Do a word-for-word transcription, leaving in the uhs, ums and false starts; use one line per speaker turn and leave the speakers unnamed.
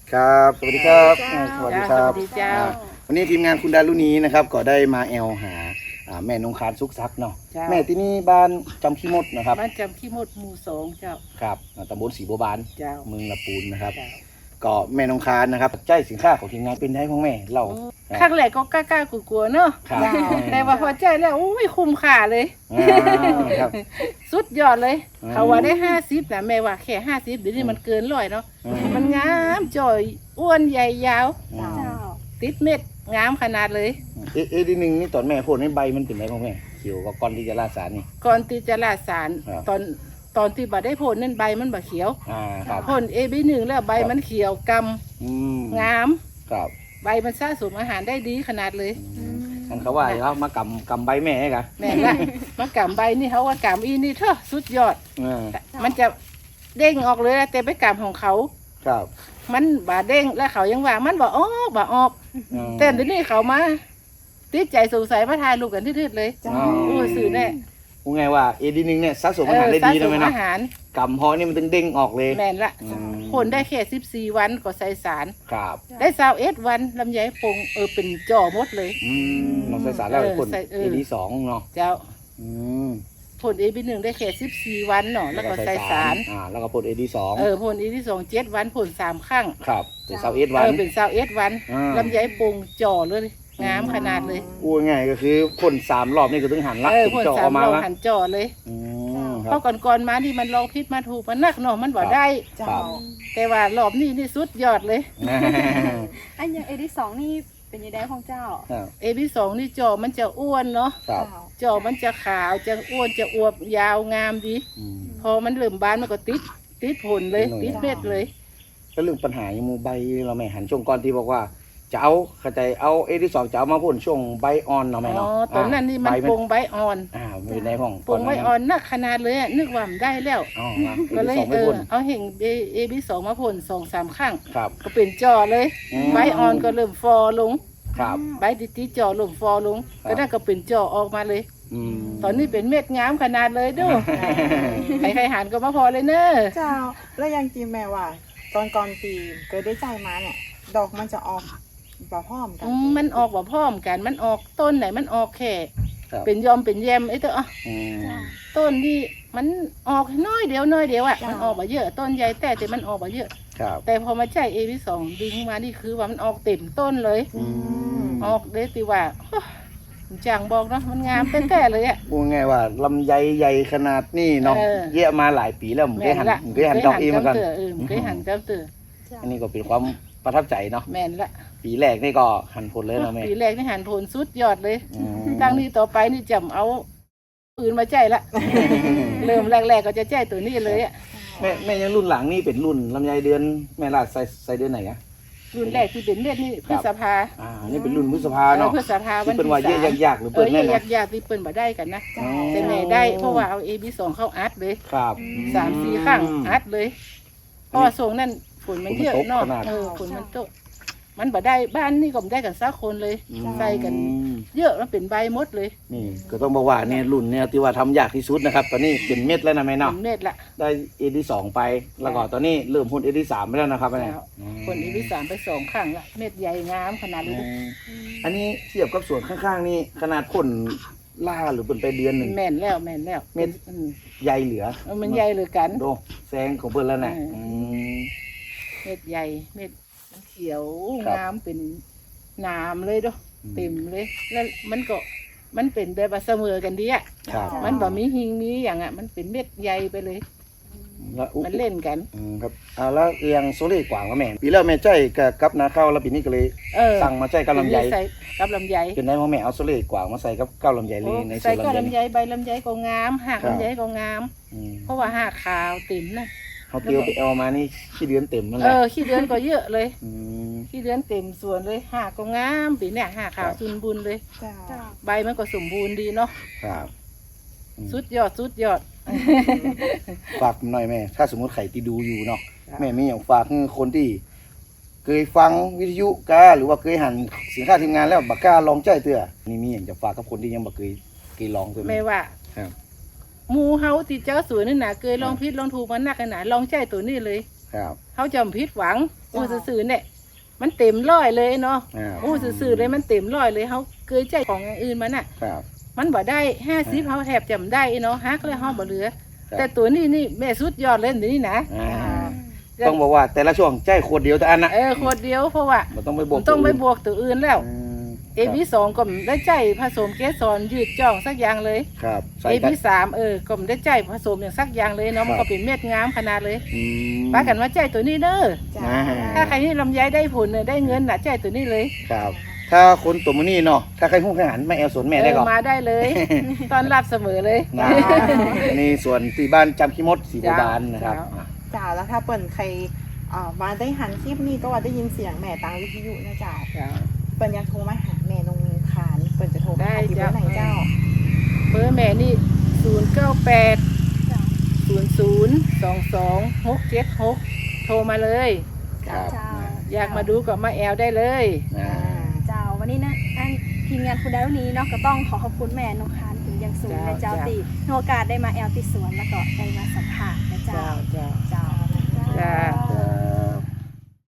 ครับสวัสดีครับ
สวัสดีครับ
สวัสดีเจ้า
วันนี้ทีมงานคุณดารุณีนะครับก็ได้มาแอลหาแม่นงคารซุกซักเนาะแม่ที่นี่บ้านจำขี้มดนะครับ
บ้านจำขี้มดหมู่สองเจ้า
ครับตำบลศรีบัวบาน
เจ้า
เมืองละปูนนะครับ
เจ้า
ก็แม่นงคารนะครับใจสินค้าของทีมงานเป็นได้ของแม่เล่า
ครั้งแรกก็กล้าๆกลัวๆเนาะ
ครับ
แต่ว่าพอใจแล้วโอ้ยคุ้มค่าเลย
อ่าครับ
สุดยอดเลย
อืม
เขาว่าได้ห้าสิบนะแม่ว่าแค่ห้าสิบเดี๋ยวนี้มันเกินร้อยเนาะ
อืม
มันงามจ่อยอ้วนใหญ่ยาว
อืม
เจ้า
ติดเม็ดงามขนาดเลย
เอ๊ะเอ๊ะทีหนึ่งนี่ตอนแม่โพดให้ใบมันเป็นไรของแม่เขียวกับก้อนที่จะราดสารนี่
ก่อนที่จะลาดสาร
ครับ
ตอนตอนที่บ่ได้ผลนั่นใบมันบ่เขียว
อ่าครับ
ผลเอบีหนึ่งแล้วใบมันเขียวก
อืม
ำงาม
ครับ
ใบมันสะสมอาหารได้ดีขนาดเลย
อืมอันเขาว่าเขามากำกำใบแม่ให้กัน
แม่ละมากำใบนี่เขาว่ากำอีนี่เถอะสุดยอด
อ่า
มันจะเด้งออกเลยแต่ไปกำของเขา
ครับ
มันบ่เด้งแล้วเขายังว่ามันบ่ออกบ่ออก
อืม
แต่เดี๋ยวนี้เขามาติดใจสงสัยมาทายลูกกันทืดๆเลย
อ๋อ
โอ้ยสื่อแน่
พูดไงว่าเอดีนึงเนี่ยสะสมอาหารได้ดี
เออสะส
นะ
ม
แม่เนาะ
อาหาร
กำเพอนี่มันต้องเด้งออกเลย
แม่นละ
อืม
ผลได้แค่สิบสี่วันก็ใส่สาร
ครับ
ได้สาวเอ็ดวันลำไยปงเออเป็นจ่อหมดเลย
อืมน้องใส่สารแล้ว
เออ
คน
ใส่เออ
เอดีสองเนาะ
เจ้า
อืม
ผลเอบีหนึ่งได้แค่สิบสี่วันเนาะแล้วก็ใส่สาร
อ่าแล้วก็ผลเอดีสอง
เออผลเอที่สองเจ็ดวันผลสามครั้ง
ครับเป็นเสาเอสวั
เอน อเป็นสาวเอ็ดวัน
อ่า
ลำไยปงจ่อเลยงามขนาดเลย
พูดง่ายก็คือคนสามรอบนี่ก็ต้องหันลัก
เออ
ถึง
ผล
เจาะ
สา
อ
ม
อกมา
เรา
ละ
หันจ่อเลย
อืมค
เพ
รับ
ราะก่อนๆมาที่มันลองพิษมาถูกมันนักเนาะมันบ่ได้
เจ้า
ครับ
แต่ว่ารอบนี้นี่สุดยอดเลย
อันอย่างเอที่สองนี่เป็นยังไงของเจ้า
ครับ
เอพีสองนี่จ่อมันจะอ้วนเนาะ
ครับ
เจ้า
จ่อมันจะขาวจะอ้วนจะอวบยาวงามดี
อืม
พอมันเริ่มบานมันก็ติดติดผลเลย
ติ
ติ
ด
ด
หน่อย
เม็ดเลย
แล้วเรื่องปัญหาอย่างหมูใบเราแม่หันช่วงก่อนที่บอกว่าจะเอาเข้าใจเอาเอดีสองจะเอามาพ่นช่วงใบอ่อนเนาะแม่
อ๋อ
เนาะ
ตอนนั้นนี่มัน
ใบ
ปงใบอ่อน
อ่ามันเป็นในห้อง
ปงใบอ่อนนักขนาดเลยอะนึกว่ามันได้แล้ว
อ๋อมา
ก็เลย
สอง
เอ
ไม่
อ
พ่น
เอาเห็นเอพีสองมาพ่นสองสามครั้ง
ครับ
ก็เป็นจ่อเลย
อืม
ใบอ่อนก็เริ่มฟอลง
ครับ
ใบติดๆจ่อเริ่มฟอลง
ครับ
ก็นั่นก็เป็นจ่อออกมาเลย
อืม
ตอนนี้เป็นเม็ดงามขนาดเลยดู ใครใครๆหันก็มาพอเลยเนอะ
เจ้า แล้วยังจีแม่ว่า ตอนก่อนปีเกิดได้ใจมาเนี่ย ดอกมันจะออกแบบพร้อมกัน
อืมมันออกว่าพร้อมกัน มันออกต้นไหนมันออกแค่
ครับ
เป็นยอมเป็นแยมไอ้เตัว
อืม
ต้นที่มันออกน้อยเดียวน้อยเดียวอ่ะมันออกมาเยอะ ต้นใหญ่แต่แต่มันออกมาเยอะ
ครับ
แต่พอมาใช้เอพีสองดึงมานี่คือว่ามันออกเต็มต้นเลย
อืม
ออกเลยติว่าโอ้จางบอกเนาะมันงามแต่ ๆเลยอ่ะ
พูดง่ายว่าลำไยใหญ่ขนาดนี้เนาะ
เออ
เยอะมาหลายปีแล้วผมเคยหันผมเคยหันดอกเองมากัน
เตือเออเคยหันเจ้าเตือ
อันนี้ก็เป็นความประทับใจเนาะ
แม่นละ
ปีแรกนี่ก็หันผลเลยเนาะแม่
ปีแรกนี่หันผลสุดยอดเลย
อืม
ตั้งนี้ต่อไปนี่จำเอาอื่นมาใจละ เริ่มแรกๆก็จะใจตัวนี้เลยอ่ะ
แม่แม่ยังรุ่นหลังนี่เป็นรุ่นลำไยเดือนแม่ลาดใส่ใส่เดือนไหนอะ
รุ่นแรกที่เป็นเม็ดนี่พฤษภา
อ่านี่เป็นรุ่นพฤษภาเนาะ
พฤษภาวัน
ที่เป็น
ที่
ว่าเย
สา
อะ
ม
ยากๆหรือ
เอ
เปิ
อ
ดแม่
อยา
นะ
กอยากที่เปิ้นบ่ได้กันนะ
อ๋อ
แต่แม่ได้เพราะว่าเอาเอบีสองเข้าอัดเลย
ครับ
สามสี่ข้างอัดเลยเพราะว่าส่งนั่นฝนมันเยอะเนาะ
ฝนมันตกขนาด
เออฝนมันตกมันบ่ได้บ้านนี่ก็บ่ได้กันสักคนเลย
อืม
ใส่กัน เยอะมันเป็นใบหมดเลย
นี่ก็ต้องบอกว่าเนี่ยรุ่นเนี่ยที่ว่าทำยากที่สุดนะครับ ตอนนี้เป็นเม็ดแล้วนะแม่เนาะ
เป็นเม็ดละ
ได้เอดีสองไปแล้วก็ตอนนี้เริ่มพ่นเอดีสามไปแล้วนะครับเนี่ย
แล้ว คนเอบีสามไปสองข้างละเม็ดใหญ่งามขนาด
อื
นี้
มอันนี้เทียบกับส่วนข้างๆนี่ขนาดพ่นล่าหรือเป็นไปเดือนหนึ่ง
แม่นแล้วแม่นแล้ว
เม็ด
อืม
ใหญ่เหลือ
เออมันใหญ่เลยกัน
ดูแซงของเพื่อนแล้วนะ
เอออื
อืม
เม็ดใหญ่เม็ดมันเขียว
ครับ
งามเป็นหนามเลยเด้อ
อืม
เต็มเลยแล้วมันก็มันเป็นแบบว่าเสมอกันดีอ่ะ
ครับ
มันบ่มีหิงมีอย่างอ่ะมันเป็นเม็ดใหญ่ไปเลย
แล้วอุ๊
มันเล่นกัน
อืมครับอ่าแล้วเรียงโซเล่กว่างว่าแม่ปีแล้วแม่ใจกับกับนาข้าวแล้วปีนี้ก็เลย
เออ
สั่งมาใจกับลำไย
ใส่กับลำไย
เป็นได้พ่อแม่เอาโซเล่กว่างมาใส่กับเก้าลำไยเลยในส
ใส่
วน
ก็
ลำไย
ลำไยใบลำไยก็งามหาก
ครับ
ลำไยก็งาม
อืม
เพราะว่าหากขาวเต็มนะ
เขาเตียวไปเอามานี่ขี้เดือนเต็มนั่นแห
เอ
ละ
อขี้เดือนก็เยอะเลย
ม
ขี้เดือนเต็มสวนเลยหากก็งามปีเนี่ยหากขาว
ครับ
สุนบุญเลย
เจ้า
ใบมันก็สมบูรณ์ดีเนาะ
ครับอืม
สุดยอดสุดยอด
ฝากหน่อยแม่ ถ้าสมมติใครที่ดูอยู่เนาะ
ครับ
แม่มีอย่างฝากให้คนที่ เคยฟังวิทยุกาหรือว่าเคยหันสินค้าทีมงานแล้วบักกล้าลองใจเตือนี่มีอย่างจะฝากกับคนที่ยังบักเคยเคยลองตัว
ไม่
นี้
ว่า
ครับ
หมูเฮาที่เจ้าสวนนี่นะเคยลองพิษลองถูกมันนักขนาดลองใจตัวนี้เลย
ครับ
เขาจำพิษหวังอู้ซื่อๆเนี่ยมันเต็มร้อยเลยเนาะ
อ่า
อู้ซื่อๆเลยมันเต็มร้อยเลยเขาเคยใจของอย่างอื่นมันน่ะ
ครับ
มันบ่ได้ห้าสิบเขาแทบจำได้เนาะฮักเลยเขาบ่เหลือ
ครับ
แต่ตัวนี้นี่แม่สุดยอดเลยเดี๋ยวนี้นะ
อ่าต้องบอกว่าแต่ละช่วงใจขวดเดียวแต่อันนะ
เออโคตรเดียวเพราะว่า
มันต้องไปบ
มั
วก
นต้องไปบวกตัวอื่นแล้ว
อืม
เอพีสองก็ไม่ได้ใจผสมเกสรยืดจ่องสักอย่างเลย
ครับใส่
เอ
กัน
พีสามเออก็ไม่ได้ใจผสมอย่างสักอย่างเลยเนาะมัน
ครั
ก็
บ
เป็นเม็ดงามขนาดเลย
อืม
ป้ากันว่าใจตัวนี้เด้อ
จ้า
อ่า
ถ้าใครนี่ลำไยได้ผลเนี่ยได้เงินน่ะใจตัวนี้เลย
ครับ ถ้าคนตัวมือนี่เนาะถ้าใครหุ้นขหันไม่แอลสวนแม่ได้ก่อน
เออมาได้เลย ตอนรับเสมอเลย
นะนี่ส่วนที่บ้านจำขี้มดสีโบราณนะครับ
จ้า
อ่ะ
จ้าแล้วถ้าเปิ่นใครอ่ามาได้หันคลิปนี้ก็ว่าได้ยินเสียงแม่ตามวิทยุนะจ้าเปิ่นอยากโทรมาหาแม่นงขานเปิ่นจะโทรมาหาที่เบอร์ไหนเจ้า
เบอร์แม่นี่ศูนย์เก้าแปดศูนย์ศูนย์สองสองหกเจ็ดหกโทรมาเลย
ครับ
เจ้า
อยากมาดูก็มาแอลได้เลย
อ่า
เจ้าวันนี้นะอันทีมงานคุณดาวนี้เนาะก็ต้องขอขอบคุณแม่นงคานถึงอยังสูงในเจ้าตีในโอกาสได้มาแอลติสวนแล้วก็ได้มาสัมภาษณ์